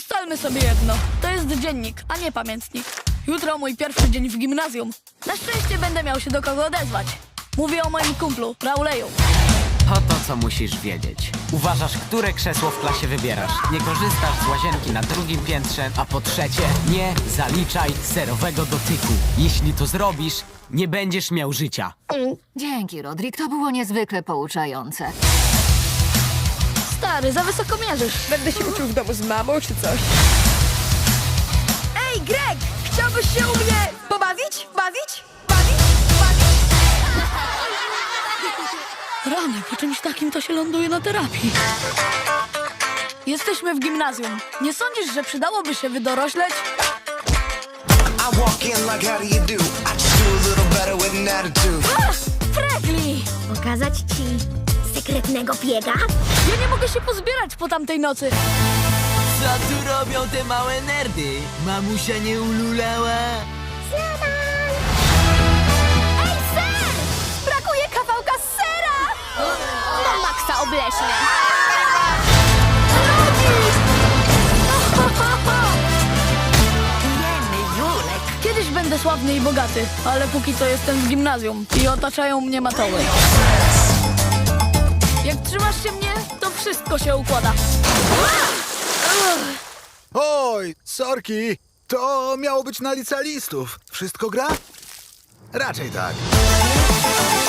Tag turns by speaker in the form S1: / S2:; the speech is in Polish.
S1: Ustalmy sobie jedno. To jest dziennik, a nie pamiętnik. Jutro mój pierwszy dzień w gimnazjum. Na szczęście będę miał się do kogo odezwać. Mówię o moim kumplu, Rauleju.
S2: To, co musisz wiedzieć. Uważasz, które krzesło w klasie wybierasz. Nie korzystasz z łazienki na drugim piętrze, a po trzecie, nie zaliczaj serowego dotyku. Jeśli to zrobisz, nie będziesz miał życia.
S3: Dzięki, Rodrik, to było niezwykle pouczające.
S1: Stary, za wysoko mierzysz.
S4: Będę się uczył w domu z mamą czy coś.
S5: Ej, Greg! Chciałbyś się u mnie pobawić? Bawić?
S1: Rany, po czymś takim to się ląduje na terapii. Jesteśmy w gimnazjum. Nie sądzisz, że przydałoby się wydorośleć?
S6: I walk in like how do you do? I just do a little better with an attitude.
S1: Fregli!
S7: Pokazać ci sekretnego biega?
S1: Ja nie mogę się pozbierać po tamtej nocy.
S2: Co tu robią te małe nerdy? Mamusia nie ululała?
S7: Ej, ser! Brakuje kawałka sera! No maksa obleśne.
S1: Kiedyś będę sławny i bogaty, ale póki co jestem w gimnazjum i otaczają mnie matoły. Jak trzymasz się mnie, to wszystko się układa.
S8: Oj, sorki! To miało być na licealistów. Wszystko gra? Raczej tak.